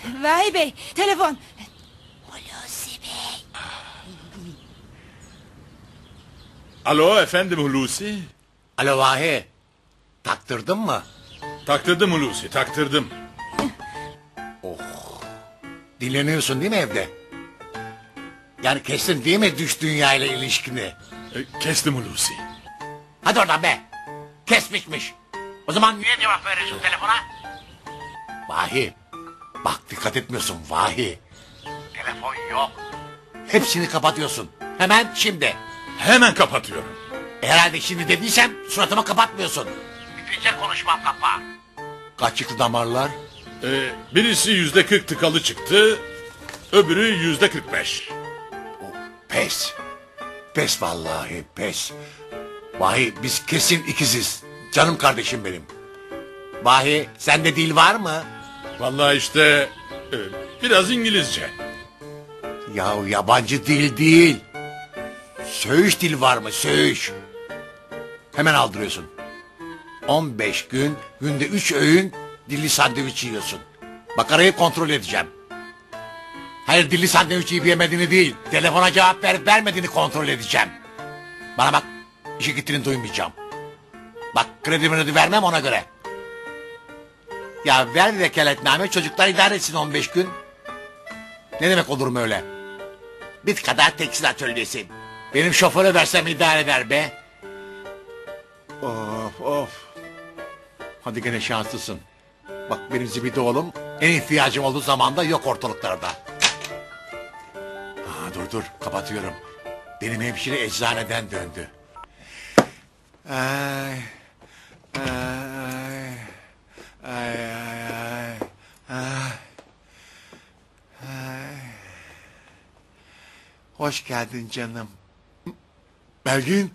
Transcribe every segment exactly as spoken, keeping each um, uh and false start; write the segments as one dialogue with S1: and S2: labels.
S1: Vahi Bey, telefon. Hulusi Bey.
S2: Alo efendim Hulusi.
S3: Alo Vahi. Taktırdın mı?
S2: Taktırdım Hulusi, taktırdım.
S3: Oh. Dinleniyorsun değil mi evde? Yani kestin değil mi dış dünya ile ilişkini?
S2: E, kestim Hulusi.
S3: Hadi oradan be. Kesmişmiş. O zaman niye cevap veriyorsun telefona? Vahi. Bak dikkat etmiyorsun Vahi. Telefon yok. Hepsini kapatıyorsun. Hemen şimdi.
S2: Hemen kapatıyorum.
S3: Herhalde şimdi dediysem suratıma kapatmıyorsun. Bitirecek konuşmam kapa. Kaç çıktı damarlar?
S2: E, birisi yüzde kırk tıkalı çıktı. Öbürü yüzde kırk beş.
S3: Pes. Pes vallahi pes. Vahi biz kesin ikiziz. Canım kardeşim benim. Vahi sende dil var mı?
S2: Vallahi işte e, biraz İngilizce.
S3: Yahu yabancı dil değil. Söğüş dil var mı söğüş? Hemen aldırıyorsun. on beş gün günde üç öğün dilli sandviç yiyorsun. Bak arayı kontrol edeceğim. Hayır dilli sandviç yiyip yemediğini değil. Telefona cevap verip vermediğini kontrol edeceğim. Bana bak işe gittiğini duymayacağım. Bak kredimi vermem ona göre. Ya ver vekaletname çocuklar idare etsin on beş gün. Ne demek olur mu öyle? Bit kadar tekstil atölyesi. Benim şoföre versem idare eder be. Of of. Hadi gene şanslısın. Bak benim zibidi oğlum en ihtiyacım olduğu zaman da yok ortalıklarda. Aa, dur dur kapatıyorum. Benim hemşire eczaneden döndü. Ay, ay, ay, ay, ay, ay, ay. Hoş geldin canım. Belgin.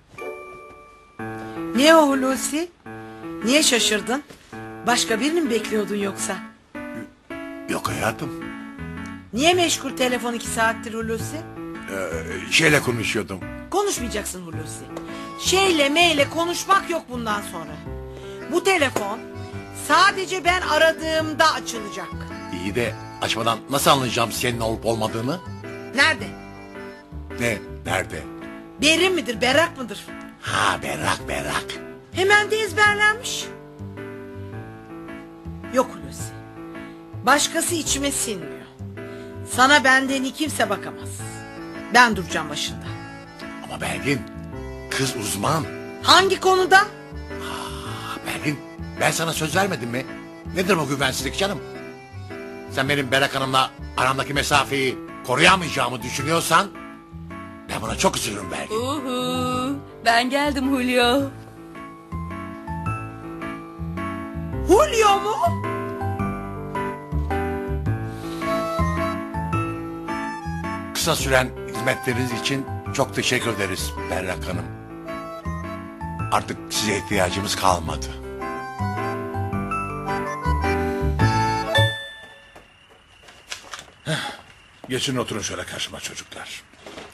S4: Ne o Hulusi? Niye şaşırdın? Başka birini mi bekliyordun yoksa?
S3: Yok hayatım.
S4: Niye meşgul telefon iki saattir Hulusi?
S3: Ee, şeyle konuşuyordum.
S4: Konuşmayacaksın Hulusi. Şeyle meyle konuşmak yok bundan sonra. Bu telefon sadece ben aradığımda açılacak.
S3: İyi de açmadan nasıl anlayacağım senin olup olmadığını?
S4: Nerede?
S3: Ne? Nerede?
S4: Berin midir, berrak mıdır?
S3: Ha berrak berrak.
S4: Hemen de ezberlenmiş. Yok Hulusi. Başkası içime sinmiyor. Sana benden iyi kimse bakamaz. Ben duracağım başında.
S3: Ama Belgin kız uzman.
S4: Hangi konuda?
S3: Ha, Belgin ben sana söz vermedim mi? Nedir bu güvensizlik canım? Sen benim Berrak Hanım'la aramdaki mesafeyi koruyamayacağımı düşünüyorsan ben buna çok üzülürüm Belgin.
S1: Uhu, ben geldim Julio.
S4: Julio mu?
S3: Kısa süren hizmetleriniz için çok teşekkür ederiz Berrak Hanım. Artık size ihtiyacımız kalmadı.
S2: Heh, geçin oturun şöyle karşıma çocuklar.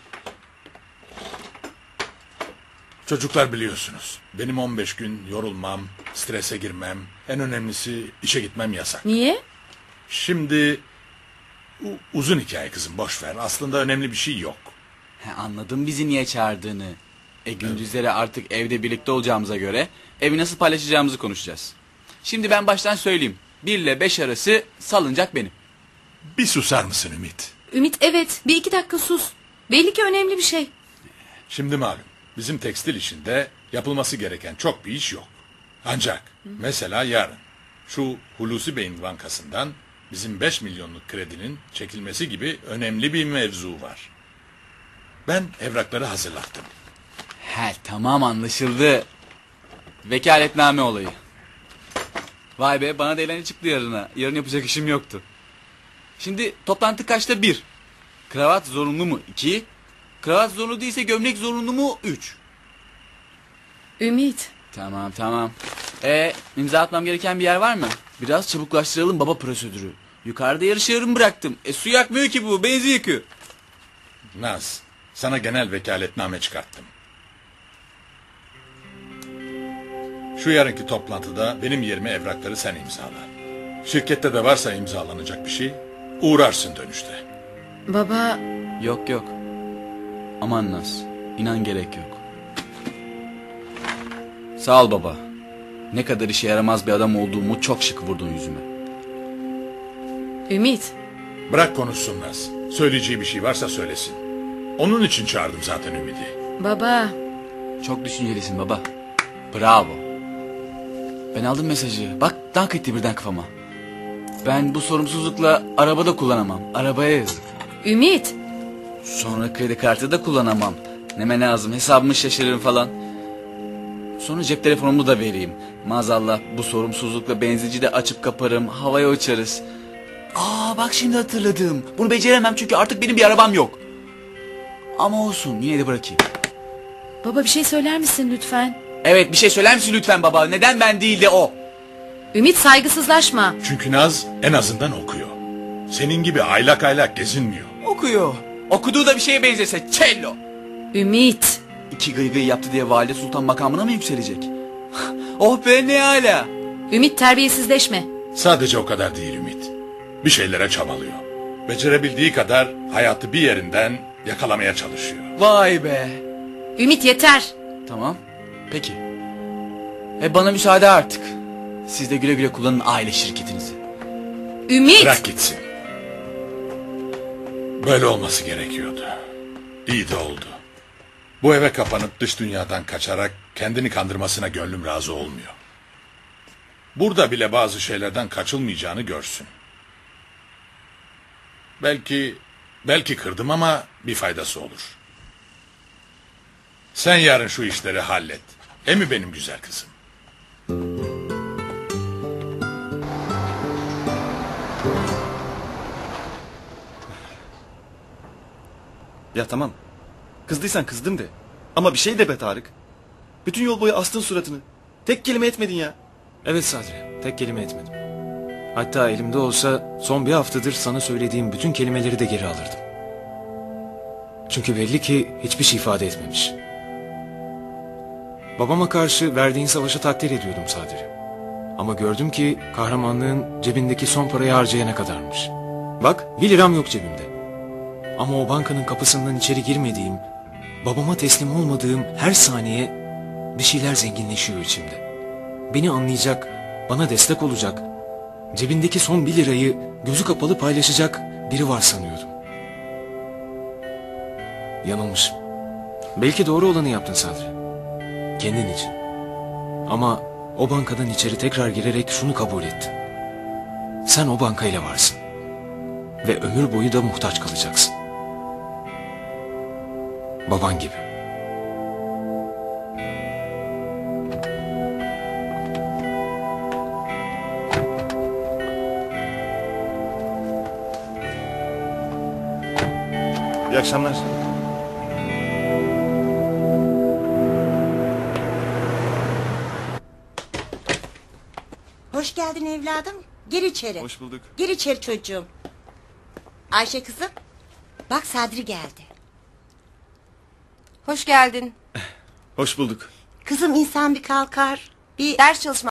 S2: Çocuklar biliyorsunuz benim on beş gün yorulmam, strese girmem, en önemlisi işe gitmem yasak.
S1: Niye?
S2: Şimdi u- uzun hikaye kızım boş ver. Aslında önemli bir şey yok.
S5: He, anladım bizi niye çağırdığını. E gündüzleri artık evde birlikte olacağımıza göre evi nasıl paylaşacağımızı konuşacağız. Şimdi ben baştan söyleyeyim. Bir ile beş arası salıncak benim.
S2: Bir susar mısın Ümit?
S1: Ümit evet, bir iki dakika sus. Belli ki önemli bir şey.
S2: Şimdi malum bizim tekstil işinde yapılması gereken çok bir iş yok. Ancak mesela yarın şu Hulusi Bey'in bankasından bizim beş milyonluk kredinin çekilmesi gibi önemli bir mevzu var. Ben evrakları hazırlattım.
S5: He tamam anlaşıldı. Vekaletname olayı. Vay be bana da eğlence çıktı yarına. Yarın yapacak işim yoktu. Şimdi toplantı kaçta? Bir. Kravat zorunlu mu? İki. Kravat zorunlu değilse gömlek zorunlu mu? Üç.
S1: Ümit.
S5: Tamam tamam. E imza atmam gereken bir yer var mı? Biraz çabuklaştıralım baba prosedürü. Yukarıda yarışı yarım bıraktım. E su yakmıyor ki bu, benzin yakıyor.
S2: Naz, sana genel vekaletname çıkarttım. Şu yarınki toplantıda benim yerime evrakları sen imzala. Şirkette de varsa imzalanacak bir şey, Uğrarsın dönüşte.
S1: Baba,
S5: Yok yok. Aman Naz. İnan gerek yok. Sağ ol baba. Ne kadar işe yaramaz bir adam olduğumu çok şık vurdun yüzüme.
S1: Ümit.
S2: Bırak konuşsun Naz. Söyleyeceği bir şey varsa söylesin. Onun için çağırdım zaten Ümidi.
S1: Baba,
S5: Çok düşüncelisin baba. Bravo. Ben aldım mesajı. Bak dank etti birden kafama. Ben bu sorumsuzlukla arabada kullanamam. Arabaya yazık.
S1: Ümit.
S5: Sonra kredi kartı da kullanamam. Neme lazım, hesabımı şaşırırım falan. Sonra cep telefonumu da vereyim. Maazallah bu sorumsuzlukla benzinci de açıp kaparım, havaya uçarız. Aa bak şimdi hatırladım. Bunu beceremem çünkü artık benim bir arabam yok. Ama olsun, yine de bırakayım.
S1: Baba bir şey söyler misin lütfen?
S5: Evet, bir şey söyler misin lütfen baba? Neden ben değil de o?
S1: Ümit, saygısızlaşma.
S2: Çünkü Naz en azından okuyor. Senin gibi aylak aylak gezinmiyor.
S5: Okuyor. Okuduğu da bir şeye benzese cello.
S1: Ümit.
S5: İki gıygıy yaptı diye valide sultan makamına mı yükselecek? Oh be ne hala.
S1: Ümit, terbiyesizleşme.
S2: Sadece o kadar değil Ümit. Bir şeylere çabalıyor. Becerebildiği kadar hayatı bir yerinden yakalamaya çalışıyor.
S5: Vay be.
S1: Ümit, yeter.
S5: Tamam. Peki. E bana müsaade artık. Siz de güle güle kullanın aile şirketinizi.
S1: Ümit.
S2: Bırak gitsin. Böyle olması gerekiyordu. İyi de oldu. Bu eve kapanıp dış dünyadan kaçarak kendini kandırmasına gönlüm razı olmuyor. Burada bile bazı şeylerden kaçılmayacağını görsün. Belki, belki kırdım ama bir faydası olur. Sen yarın şu işleri hallet. E mi benim güzel kızım?
S6: Ya tamam. Kızdıysan kızdım de. Ama bir şey de be Tarık. Bütün yol boyu astın suratını. Tek kelime etmedin ya.
S7: Evet Sadri, tek kelime etmedim. Hatta elimde olsa son bir haftadır sana söylediğim bütün kelimeleri de geri alırdım. Çünkü belli ki hiçbir şey ifade etmemiş. Babama karşı verdiğin savaşı takdir ediyordum Sadri. Ama gördüm ki kahramanlığın cebindeki son parayı harcayana kadarmış. Bak bir liram yok cebimde. Ama o bankanın kapısından içeri girmediğim, babama teslim olmadığım her saniye bir şeyler zenginleşiyor içimde. Beni anlayacak, bana destek olacak, cebindeki son bir lirayı gözü kapalı paylaşacak biri var sanıyordum. Yanılmışım. Belki doğru olanı yaptın Sadri. Kendin için. Ama o bankadan içeri tekrar girerek şunu kabul ettin. Sen o bankayla varsın. Ve ömür boyu da muhtaç kalacaksın. Baban gibi.
S6: İyi akşamlar.
S8: Hoş geldin evladım. Gir içeri.
S6: Hoş bulduk.
S8: Gir içeri çocuğum. Ayşe kızım. Bak Sadri geldi.
S9: Hoş geldin.
S6: Hoş bulduk.
S8: Kızım insan bir kalkar. Bir
S9: Ders çalışma